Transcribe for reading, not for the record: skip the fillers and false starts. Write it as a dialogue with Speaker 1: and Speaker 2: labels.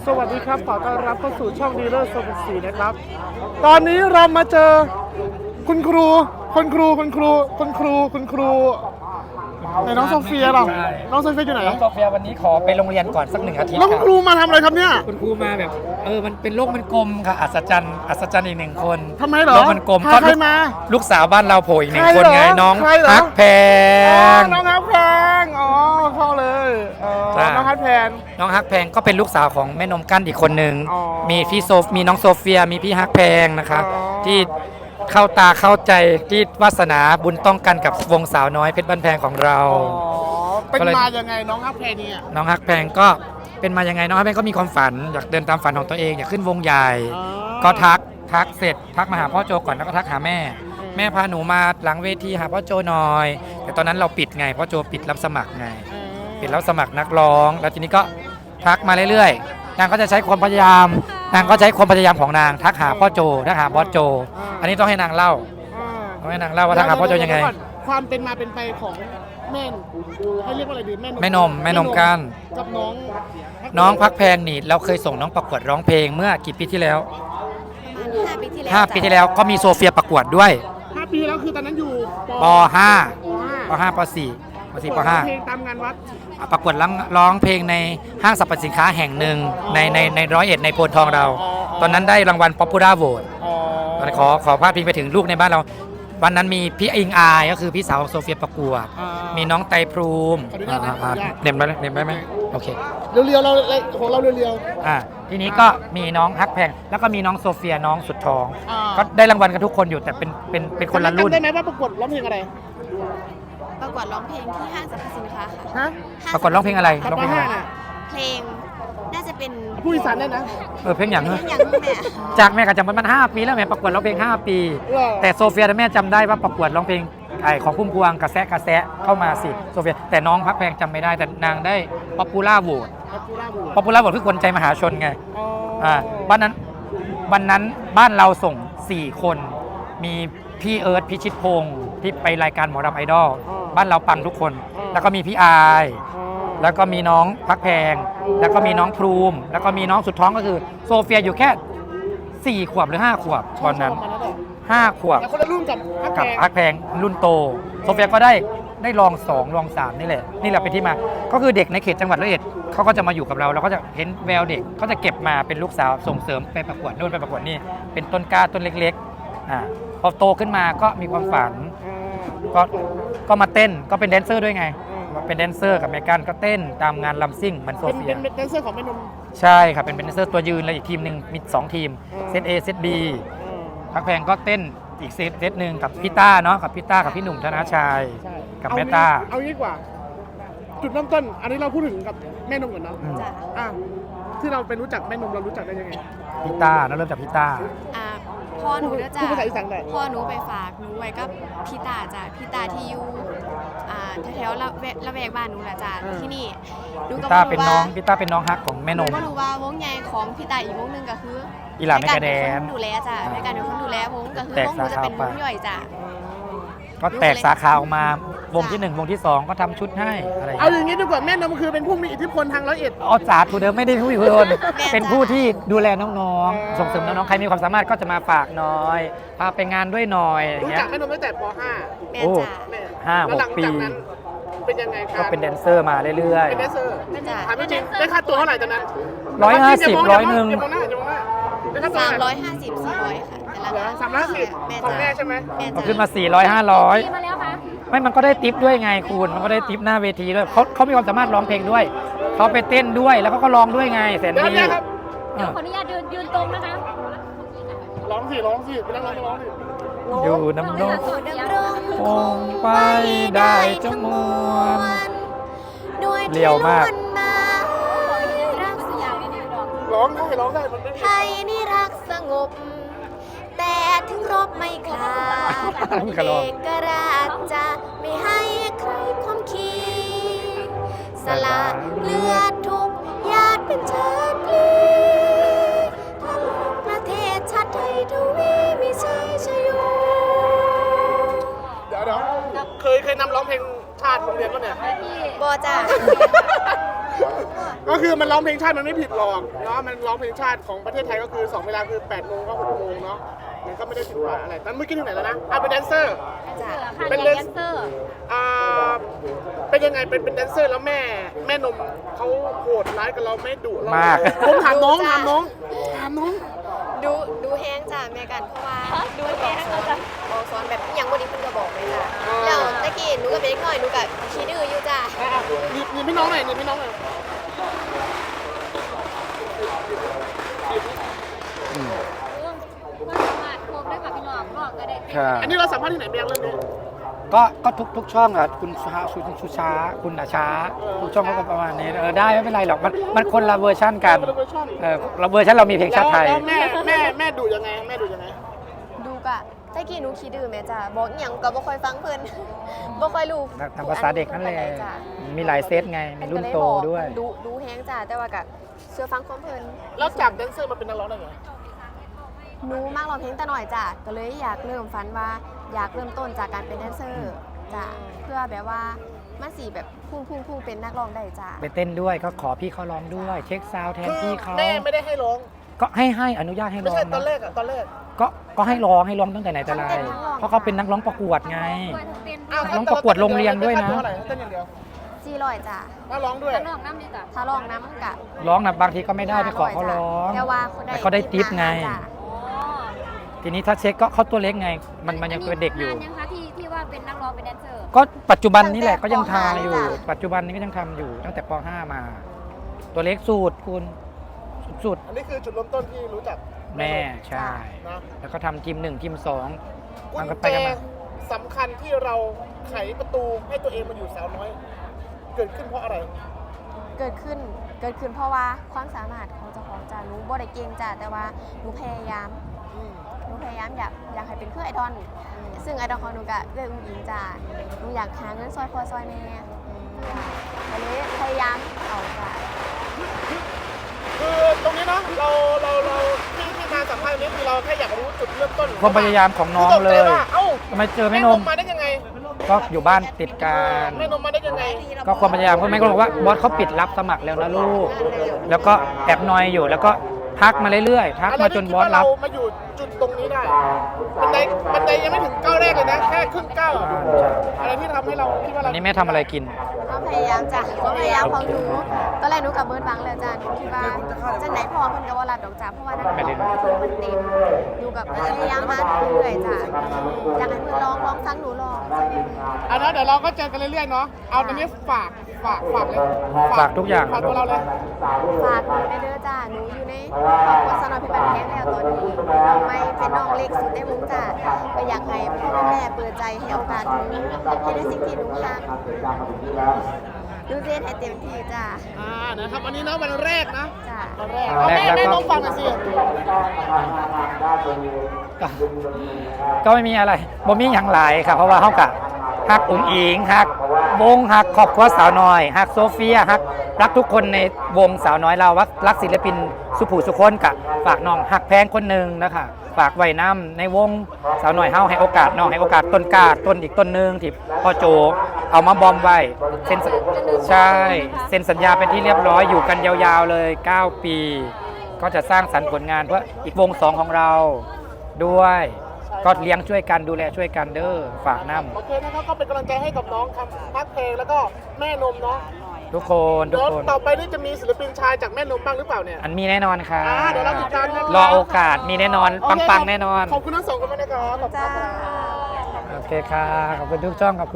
Speaker 1: สวัสดีครับขอต้อนรับเข้าสู่ช่องดีลเลอร์โซนสีนะครับตอนนี้เรามาเจอคุณครูไหนน้องโซเฟียหรอน้องโซเฟียอยู่ไหน
Speaker 2: น้องโซเฟียวันนี้ขอไปโรงเรียนก่อนสัก1 อาทิตย์
Speaker 1: น้องครูมาทำอะไรครับเนี่ย
Speaker 2: คุณครูมาแบบมันเป็นโลกมันกลมค่ะอัศจรรย์อีก1 คน
Speaker 1: ทำไมเหรอ
Speaker 2: โลกมันกลม
Speaker 1: ใครมา
Speaker 2: ลูกสาวบ้านเราโผล่อีก1 คนไงน้องฮักแพง
Speaker 1: น้องฮักแพงอ๋อเข้าเลยน้องฮักแพง
Speaker 2: ก็เป็นลูกสาวของแม่นมกั้นอีกคนหนึ่งมีน้องโซเฟียมีพี่ฮักแพงนะคะที่เข้าตาเข้าใจที่วาสนาบุญต้องกันกับวงสาวน้อยเพชรบ้านแพงของเรา
Speaker 1: เป็นมายังไงน้องฮักแพงเนี่ย
Speaker 2: น้องฮักแพงก็เป็นมายังไงน้องฮักแพงก็มีความฝันอยากเดินตามฝันของตัวเองอยากขึ้นวงใหญ่ก็ทักเสร็จทักมาหาพ่อโจก่อนแล้วก็ทักหาแม่พาหนูมาหลังเวทีหาพ่อโจหน่อยแต่ตอนนั้นเราปิดไงพ่อโจปิดรับสมัครไงปิดรับสมัครนักร้องแล้วทีนี้ก็ทักมาเรื่อยๆนางก็จะใช้ความพยายามของนางทักหาพ่อโจทักหาบอสโจอันนี้ต้องให้นางเล่าว่าทักหาพ่อโจยังไง
Speaker 1: ความเป็นมาเป็นไปของแม่ให้เรียกว่าอะไรดีแ
Speaker 2: ม่นมกัน
Speaker 1: กับ
Speaker 2: น้องพักแพงนี่เราเคยส่งน้องประกวดร้องเพลงเมื่อกี่ปีที่แล้ว
Speaker 3: 5 ปีที่แล้ว
Speaker 2: 5 ปีที่แล้วก็มีโซเฟียประกวดด้วย
Speaker 1: 5 ปีแล้วคือตอนนั้นอยู่
Speaker 2: ป.5 ป.4 ป.5
Speaker 1: เพลงตามงานวัด
Speaker 2: ประกวดร้องเพลงในห้างสรรพสินค้าแห่งหนึ่งใน101ในโพนทองเราตอนนั้นได้รางวัล Popular Vote ขอพาดพิงไปถึงลูกในบ้านเราวันนั้นมีพี่อิงอายก็คือพี่สาวของโซเฟียประกวดมีน้องไตรพรูมเน็บได้ไหมโอเค
Speaker 1: เรียวๆเราของเราเรียว
Speaker 2: ทีนี้ก็มีน้องฮักแพงแล้วก็มีน้องโซเฟียน้องสุดท้องก็ได้รางวัลกันทุกคนอยู่แต่เป็นคนละรุ่น
Speaker 1: ได้ไหมว่าประกวดร้องเพลงอะไร
Speaker 3: ประกวดร้องเพลงที่ห้างสรรพสินค้าค่ะ
Speaker 2: ประกวดร้องเพลงอะไรร้องเพลงอะไร
Speaker 3: เพลงน่าจะเป็น
Speaker 1: ผู้อีสานได้นะ
Speaker 2: เพลงอย่าง
Speaker 3: แม่
Speaker 2: จากแม่ก็จำมัน5 ปีแล้วแม่ประกวดร้องเพลง5 ปีแต่โซเฟียแม่จำได้ว่าประกวดร้องเพลงของพุ่มพวงกระแสเข้ามาสิโซเฟียแต่น้องพักแพงจำไม่ได้แต่นางได้ป๊อปปูล่าโหวตคือคนใจมหาชนไงวันนั้นบ้านเราส่ง4 คนมีพี่เอิร์ธพิชิตพงศ์ที่ไปรายการหมอรำไอดอลบ้านเราปังทุกคนแล้วก็มีพี่อายแล้วก็มีน้องพักแพงแล้วก็มีน้องพรูมแล้วก็มีน้องสุดท้องก็คือโซเฟียอยู่แค่4 ขวบหรือ5 ขวบตอนนั้น5 ขวบ
Speaker 1: คนละรุ่นกับ
Speaker 2: พักแพงรุ่นโตโซเฟียก็ได้รอง2รอง3นี่แหละเป็นที่มาก็คือเด็กในเขตจังหวัดร้อยเอ็ดเขาก็จะมาอยู่กับเราก็จะเห็นแววเด็กเขาจะเก็บมาเป็นลูกสาวส่งเสริมไปประกวดนู่นไปประกวดนี่เป็นต้นกล้าต้นเล็กๆพอโตขึ้นมาก็มีความฝันก็มาเต้นก็เป็นแดนเซอร์ด้วยไงเป็นแดนเซอร์กับเมกันก็เต้นตามงานลัมซิ่งเหมือนโซเฟีย
Speaker 1: เป็นแดนเซอร์ของแม่นม
Speaker 2: ใช่ครับเป็นแดนเซอร์ตัวยืนแล้วอีกทีมหนึ่งมี2 ทีมเซต A เซต B พักแพงก็เต้นอีกเซตหนึ่งกับพี่ต้าเนาะกับพี่หนุ่มธนชัยกับแม่ต้า
Speaker 1: เอางี้กว่าจุดเริ่มต้นอันนี้เราพูดถึงกับแม่นมก่อนเนาะที่เราไปรู้จักแม่นมเรารู้จักได้ยังไง
Speaker 2: พี่ต้าเริ่มจากพี่ต้า
Speaker 3: พ่อหนูจะ
Speaker 1: พูดภาษาอีสานได้
Speaker 3: พ่อหนูไปฝากหนูไว้กับพี่ตาจ้ะพี่ตาที่อยู่แถวละแวกบ้านหนูแหละจ้ะที่นี่
Speaker 2: พี่ต้าเป็นน้องฮักของแม่นม
Speaker 3: ก็รู้ว่าวงใหญ่ของพี่ตาอีกวงนึงก็คือ
Speaker 2: อีหลาไม่กระแดน
Speaker 3: ดูแลจ้ะในการเป็นคนดูแลวงก็คือวงหนูจะเป็นวงย่อยจ้ะ
Speaker 2: ก็แตกสาขาออกมาวงที่1วงที่2ก็ทำชุดให้อะไร
Speaker 1: เอาอย่างนี้ดีกว่าแม่นมคือเป็นผู้มีอิทธิพลทางร้อยเอ็ด
Speaker 2: สาธุเดิมไม่ได้ผู้มีอิทธิพลเป็นผู้ที่ดูแลน้องๆส่งเสริมน้องๆใครมีความสามารถก็จะมาฝากหน่อยพาไปงานด้วยหน่อย
Speaker 1: รู้จักแม่นมตั้งแต่ป
Speaker 3: .5 แม่จ้ะ
Speaker 2: 5-6 ปี
Speaker 1: เป็นยังไงครับ
Speaker 2: ก็เป็นแดนเซอร์มาเรื่อย
Speaker 1: ๆเป็นแดนเซอร์ถามจริงได้ค่าตัวเท่าไหร่ตอนนั้น
Speaker 2: 150 100นึง
Speaker 3: 350 400ค่ะแต่ละ
Speaker 1: 350ของแม่ใช่ไหม
Speaker 2: ขึ้นมา400 500ไม่มันก็ได้ทิปด้วยไงคุณมันก็ได้ทิปหน้าเวทีด้วยเขามีความสามารถร้องเพลงด้วยเขาไปเต้นด้วยแล้วเขาก็ร้องด้วยไงแสนดี
Speaker 3: เดี๋ยวขออนุญาตยืนตรงนะคะ
Speaker 1: ร้องสิไปนั่งร้องสิ
Speaker 2: อยู่น้ำนกคงไปได้จมวนเลี้ยวมาก
Speaker 1: ร้องได้มันไม่
Speaker 3: ไทยนี่รักสงบแต่ถึงรบไม่คลาดเอกราชจะไม่ให้ใครข่มขีสละเลือดทุกหยาดเป็นชาติพลีทั้งประเทศชาติไทยทวีมีชัยชโย
Speaker 1: เดี๋ยวเคยนำร้องเพลงชาติโรงเรียนป่ะเนี่ย
Speaker 3: บอจ้า
Speaker 1: ก็คือคือมันร้องเพลงชาติมันไม่ผิดหรอกเนาะมันร้องเพลงชาติของประเทศไทยก็คือ2เวลาคือ8 โมงก็6 โมงเนาะมันก็ไม่ได้ผิดว่าอะไรแต่เมื่อกี้ถึงไหนแล้วนะเป็นแดนเซอร์
Speaker 3: จ้ะ
Speaker 1: เป็นแดนเซอร์เป็นยังไงเป็นแดนเซอร์แล้วแม่นมเขาโหดร้ายกับเราไม่ดุเรา
Speaker 2: มาก
Speaker 1: ผมถามน้อง
Speaker 3: ดูแห้งจ้ะแม่กันเพราะว่าดูแห้งบอกสอนแบบอย่างวันนี้เพิ่นก็บอกเลยจ้ะแล้วตะกี้หนูก็เป็นเด็กน้อยหนูก็ขี้ดื้ออยู่จ้ะ
Speaker 1: นี่พี่น้องหน่อยนี่พี่น้องหน่อย
Speaker 4: ก็สามารถโคมได้ค่ะพี่น้องบอกก็ได้
Speaker 2: ค่ะ
Speaker 1: อันนี้เราสัมภาษณ์ที่ไหนเบียงเรื่องนี้
Speaker 2: ก็ทุกช่องอ่ะคุณชูช้าคุณอาช้าทุกช่องก็ประมาณนี้ได้ไม่เป็นไรหรอกมันคนละเวอร์ชั่นกันเราเวอร์ชันเรามีเพลงชาติไทย
Speaker 1: แล้วแม่ดุยังไงแม่ดุยังไง
Speaker 3: ดูกะตะกี้หนูขี้ดื้อแม่จ้ะบอกอหย่างก็บ่ค่อยฟังเพิ่น บ่ค่อยรู้
Speaker 2: ทำภาษาเด็กนั่นแหละ
Speaker 3: จ้ะ
Speaker 2: มีหลายเซตไงมีรุ่นโตด้วย
Speaker 3: ดูแห้งจ้ะแต่ว่าก็เชื่อฟังความเพิ่น
Speaker 1: แล้วจากแดนเซอร์มาเป็นนักร้องได้ไง
Speaker 3: หนูมากร้องเพลงแต่หน่อยจ้ะก็เลยอยากเริ่มฝันว่าอยากเริ่มต้นจากการเป็นแดนเซอร์จ้ะเพื่อแบบว่ามันสิแบบพุ่งเป็นนักร้องได้จ้ะ
Speaker 2: ไปเต้นด้วยก็ขอพี่เขาร้องด้วย เช็คซาวด์แทนพี่เขา
Speaker 1: แม่ไม่ได้ให้ร้อง
Speaker 2: ก็ให้อนุญาตให้
Speaker 1: ไม่
Speaker 2: ร้อง
Speaker 1: ใช่ตอน
Speaker 2: นะ
Speaker 1: แรก
Speaker 2: ก็ให้ร้องตั้งแต่ไหนแต่ไรเพราะเขาเป็นนักร้องประกวดไง น้องประกวดโรงเรียนด้วยนะ
Speaker 1: เต้นอย่างเดียว
Speaker 3: 400จ้ะ
Speaker 1: ถ้าร้องด้วย
Speaker 4: น้องน้ำดีจ้ะ
Speaker 3: ถ้าร้องน้ำกะ
Speaker 2: ร้องนะบางทีก็ไม่ได้ไปขอเขาร้อง
Speaker 3: แต่ว่า
Speaker 2: แต่เขาได้ทิปไง
Speaker 3: จ้ะ
Speaker 2: ทีนี้ถ้าเช็คก็เขาตัวเล็กไง มันยังเป็นเด็กอยู่
Speaker 4: นานยังคะที่ว่าเป็นนักร้องเป็นแดนเซอร์
Speaker 2: ก็ปัจจุบันนี้แหละก็ยังทำอยู่ ปัจจุบันนี้ก็ยังทำอยู่ตั้งแต่ป .5 มา ตัวเล็กสูตรคุณสุด
Speaker 1: อันนี้คือจุดเริ่มต้นที่รู้จัก
Speaker 2: แม่ใช่
Speaker 1: นะ
Speaker 2: แล้วก็ทำทีม 1 ทีม 2
Speaker 1: กุ
Speaker 2: มัน
Speaker 1: ญ
Speaker 2: ก็ไป
Speaker 1: แจ
Speaker 2: กันมา
Speaker 1: สำคัญที่เราไขประตูให้ตัวเองมาอยู่สาวน้อย เกิดขึ้นเพราะอะไร
Speaker 3: เกิดขึ้นเพราะว่าความสามารถของเจ้าของจ้ะหนูบ่ได้เก่งจ้ะแต่ว่าหนูพยายามอยากให้เป็นเพื่อไอดอลซึ่งไอดอลของหนูก็เรื่องอุ้งอิงจ้ะหนูอยากหาเงินซอยพ่อซอยแม่ก็เลยพยายามเอาจ้ะ
Speaker 1: คือตรงนี้เนาะเราที่มาสัมภาษณ์นี้คือเราแค่อยากรู้จุดเริ่มต้น
Speaker 2: ความพยายามของน้องเลย
Speaker 1: คือตกใจว่าเอ้า
Speaker 2: ทำไมเจอแม่นม
Speaker 1: มาได้ยังไง
Speaker 2: ก็อยู่บ้านติดกัน
Speaker 1: แม่นมมาได้ยังไง
Speaker 2: ก็ความพยายามก็แม่ก็บอกว่าบอสเขาปิดรับสมัครแล้วนะลูก แล้วก็แอบนอยอยู่แล้วก็ทักมาเรื่อยๆทักมาจนบอสรับ
Speaker 1: เรามาอยู่จุดตรงนี้ได้บันไดยังไม่ถึงก้าวแรกเลยนะแค่ครึ่งก้าวอะอะไรที่ทำให้เราคิดว่า
Speaker 2: อั
Speaker 1: เรา
Speaker 2: นนี้แม่ทำอะไรกิน
Speaker 3: ความพยายามจ้ะความพยายามของหนูตอนแรกหนูกับเบิร์ดบังแล้วจ้ะหนูคิดว่าจังไหนพอเพิ่นก็ว่ารับดอกจ้ะเพราะว่านักร้องเพิ่นมันเต็มหนูกับพยายามมาเรื่อยๆจ้ะอยากให้เพิ่นร้องฟังหนูร้อง
Speaker 1: อันนั้นเดี๋ยวเราก็เจอกันเรื่อยๆเนาะเอาตอนนี้ฝากเลย
Speaker 2: ฝากทุกอย่าง
Speaker 1: ฝากตัวเราเลย
Speaker 3: ฝากหนูในเด้อจ้ะหนูอยู่ในครอบครัวสนอพิบัติแท้งแล้วตอนนี้น้องไม่เป็นน้องเล็กสุดในวงจ้ะก็อยากให้พ่อแม่เปิดใจให้โอกาสหนูให้ได้สิ่งที่หนูทำหนูเรียนให้เต็มที่จ้ะ
Speaker 1: นะครับวันนี้เนาะวันแรกนะ
Speaker 3: จ้ะ
Speaker 1: วันแรกเอาแม่น้องฟังหน่อยสิ
Speaker 2: ก็ไม่มีอะไรบ่มีอย่างหลายครับเพราะว่าเขากะฮักอุ๋งอิงฮักวงฮักครอบครัวสาวน้อยฮักโซเฟียฮักรักทุกคนในวงสาวน้อยเรารักศิลปินสุภูสุคนกะฝากน้องฮักแพงคนหนึ่งนะคะฝากไว้น้ำในวงสาวน้อยเฮาให้โอกาสน้องให้โอกาสต้นกาต้นอีกต้นหนึ่งที่พ่อโจเอามาบอมไว้เซ็นใช่เซ็นสัญญาเป็นที่เรียบร้อยอยู่กันยาวๆเลย9 ปี ก็จะสร้างสรรค์ผลงานเพื่ออีกวง 2ของเราด้วยก็เลี้ยงช่วยกันดูแลช่วยกันเด้อฝากน้
Speaker 1: โอเคนะครับก็เป็นกำลังใจให้กับน้องครับพักเพลงแล้วก็แม่นมเนาะ
Speaker 2: ำทุกคนทุก
Speaker 1: เดี๋ยว
Speaker 2: คน
Speaker 1: ต่อไปนี่จะมีศิลปินชายจากแม่นมบ้างหรือเปล่าเนี่ย
Speaker 2: อันมีแน่นอนค่ะ
Speaker 1: เดี๋ยวเราติดตามนะครับ
Speaker 2: รอโอกาสมีแน่นอนปังๆแน่นอน
Speaker 1: ขอบคุณทั้งสองคนมากนะครับขอบคุณ
Speaker 3: จ้า
Speaker 1: ครับ
Speaker 2: โอเคค่ะขอบคุณทุกช่องขอบคุณ